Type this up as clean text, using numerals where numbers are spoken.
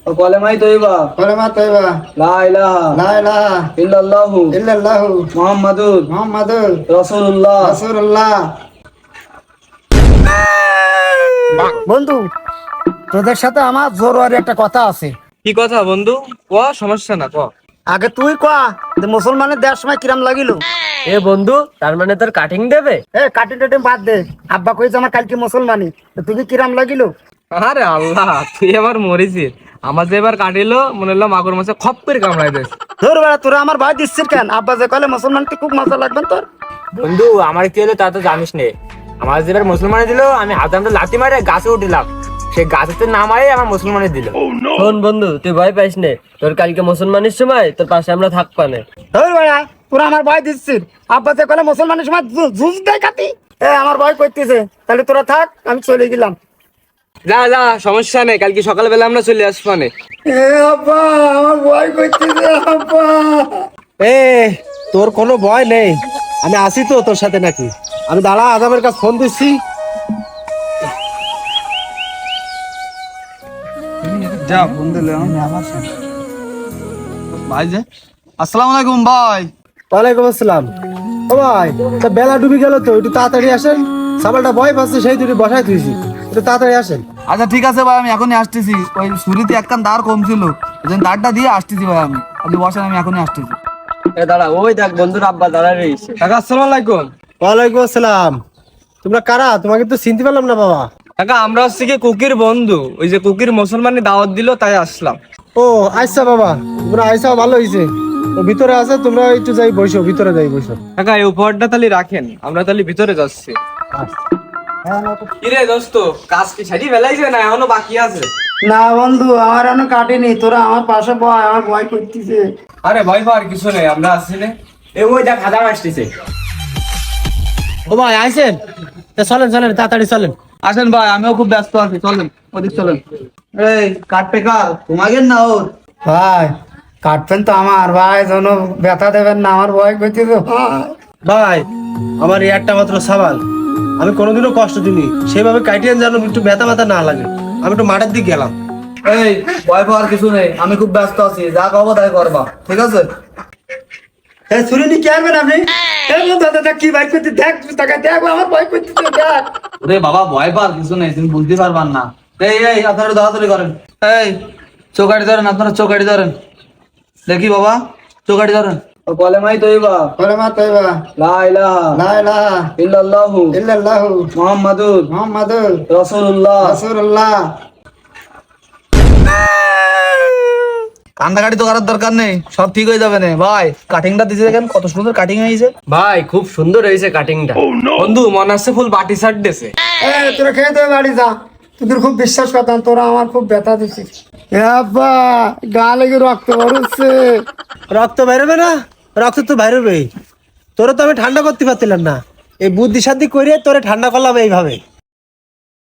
কলেমাই তৈবা কলেমা তৈবা লা ইলাহা লা ইলাহা ইল্লাল্লাহু ইল্লাল্লাহু মুহাম্মাদুর রাসূলুল্লাহ। রাসূলুল্লাহ। বন্ধু, তোদের সাথে আমার জরুরি একটা কথা আছে। কি কথা বন্ধু? ক, সমস্যা না, ক। আগে তুই কয়া যে মুসলমানের দেওয়ার সময় কিরাম লাগিল। এ বন্ধু, তার মানে তোর কাটিং দেবে? কাটি টাটি বাদ দে, আব্বা কইছে আমার কালকে মুসলমানি, তো তুই কিরাম লাগিল? আরে আল্লাহ, তুই এবার মরিছিস। আমার যে এবার কাটিলো মনে হলো মাগুর মাছে খপ করে কামড়াই দিস। ধর বেড়া, তোরা আমার ভয় দিচ্ছিস কেন? আব্বা যে কলে মুসলমান, তুই খুব মজা লাগবেন তোর। বন্ধু, আমার কি হলো তা তো জানিস নে। আমার যে এবার মুসলমানে দিল, আমি হাতে লাথি মারে গাছে উঠিলাম, সে গাছেতে না মারে আমার মুসলমানে দিল। শোন বন্ধু, তুই ভয় পাইস নে, তোর কালকে মুসলমানের সময় তোর পাশে আমরা থাকবা না। ধর বেড়া, তোরা আমার ভয় দিচ্ছিস। আব্বা যে কলে মুসলমানের সময় জুস দেয় কাটি, আমার ভয় করতেছে। তাহলে তোরা থাক, আমি চলে গেলাম। যা যা, সমস্যা নেই, কালকে সকালবেলা আমরা চলে আসবো নে। আব্বা, আমার ভয় করতেছে আব্বা। এ তোর কোনো ভয় নেই, আমি আসি তো তোর সাথে নাকি। আমি দাঁড়া, আজমের কাছে ফোন দিচ্ছি। যা ফোন দিলে ভাই যে আসসালামু আলাইকুম ভাই। ওয়ালাইকুম আসসালাম। ও ভাই, তা বেলা ডুবে গেল তো, একটু তাড়াতাড়ি আসেন। সাবালটা ভয় পাচ্ছে, সেই দুটি বসাই তুইছি, একটু তাড়াতাড়ি আসেন। আচ্ছা ঠিক আছে ভাই, আমি এখনই আসতেছি। ওই শুরুতে একখান দাঁড় কম ছিল, ওই জন্য দাঁড়টা দিয়ে আসতেছি ভাই। আপনি বসেন, আমি এখনই আসতেছি। দাঁড়া, ওই দেখ বন্ধুর আব্বা দাঁড়ায় রয়েছে। কাকা আসসালামু আলাইকুম। ওয়ালাইকুম আসসালাম। তোমরা কারা? তোমাকে তো চিনতে পারলাম না বাবা। কাকা আমরা হচ্ছে কি কুকির বন্ধু, ওই যে কুকির মুসলমানি দাওয়াত দিল তাই আসলাম। ও আচ্ছা বাবা, তোমরা আইসাও ভালো হয়েছে। তো ভিতরে আছে, তোমরা একটু যাই বসো, ভিতরে যাই বসো। কাকা এই উপহারটা তাহলে রাখেন, আমরা তাহলে ভিতরে যাচ্ছি। কিরে দোস্ত, কাজ কি সারি ফেলাইছে না এখনো বাকি আছে? না বন্ধু, আমার এখনো কাটেনি। তোরা আমার পাশে বয়, আমার ভয় করতেছে। আরে ভয় পাওয়ার কিছু নেই, আমরা আসছি না। ওই দেখ হাজার আসতেছে। ও ভাই আইসেন, তা চলেন চলেন, তাড়াতাড়ি চলেন। আসেন ভাই, আমিও খুব ব্যস্ত আছি, চলেন ওদিক চলেন। এই কাটপে কার তোমাকে না ওর? ভাই কাটবেন তো আমার, ভাই যেন ব্যথা দেবেন না, আমার ভয় করতেছে ভাই আমার এই একটা মাত্র সাবাল, আমি কোনোদিনও কষ্ট দিইনি, সেভাবে কাটিয়ে যেন একটু ব্যথা ব্যথা না লাগে। আমি একটু মাঠের দিকে গেলাম। এই ভয় পাওয়ার কিছু নেই, আমি খুব ব্যস্ত আছি, যা কব তাই করবা, ঠিক আছে? ছুরি নিয়ে কি আসবেন আপনি? দাদা কি ভয় করতে, দেখ টাকা দেখ, আমার ভয় করতেছে দেখ। ওরে বাবা, ভয় পাওয়ার কিছু নেই, তুমি বুঝতে পারবার না। এই এই আপনারা দৌড়াদৌড়ি করেন। এই চৌকাঠি ধরেন, আপনারা চৌকাঠি ধরেন। দেখি বাবা, চৌকাঠি ধরেন। কলেমাই তৈবা কলেমা তৈবা লা ইলাহা লা ইলাহা ইল্লাল্লাহু ইল্লাল্লাহু মুহাম্মাদুর রাসূলুল্লাহ। রাসূলুল্লাহ। কান্দাকাটি তো করার দরকার নেই, সব ঠিক হয়ে যাবে না ভাই। কাটিংটা দিয়েছে দেখেন, কত সুন্দর কাটিং হয়েছে। ভাই খুব সুন্দর হয়েছে কাটিংটা। বন্ধু মনে হচ্ছে ফুল বাটি শার্ট দিছে। তোরা খেয়ে দেবে বাড়ি যা, তোদের খুব বিশ্বাস করতাম, তোরা আমার খুব ব্যথা দিচ্ছিস। আব্বা, গা লেগে রক্ত বেরোচ্ছে। রক্ত বেরোবে না? রক্ত তো বেরোবেই। তোরা তো আমি ঠান্ডা করতে পারছিলাম না, এই বুদ্ধি শান্তি করে তোরে ঠান্ডা করলাম এইভাবে।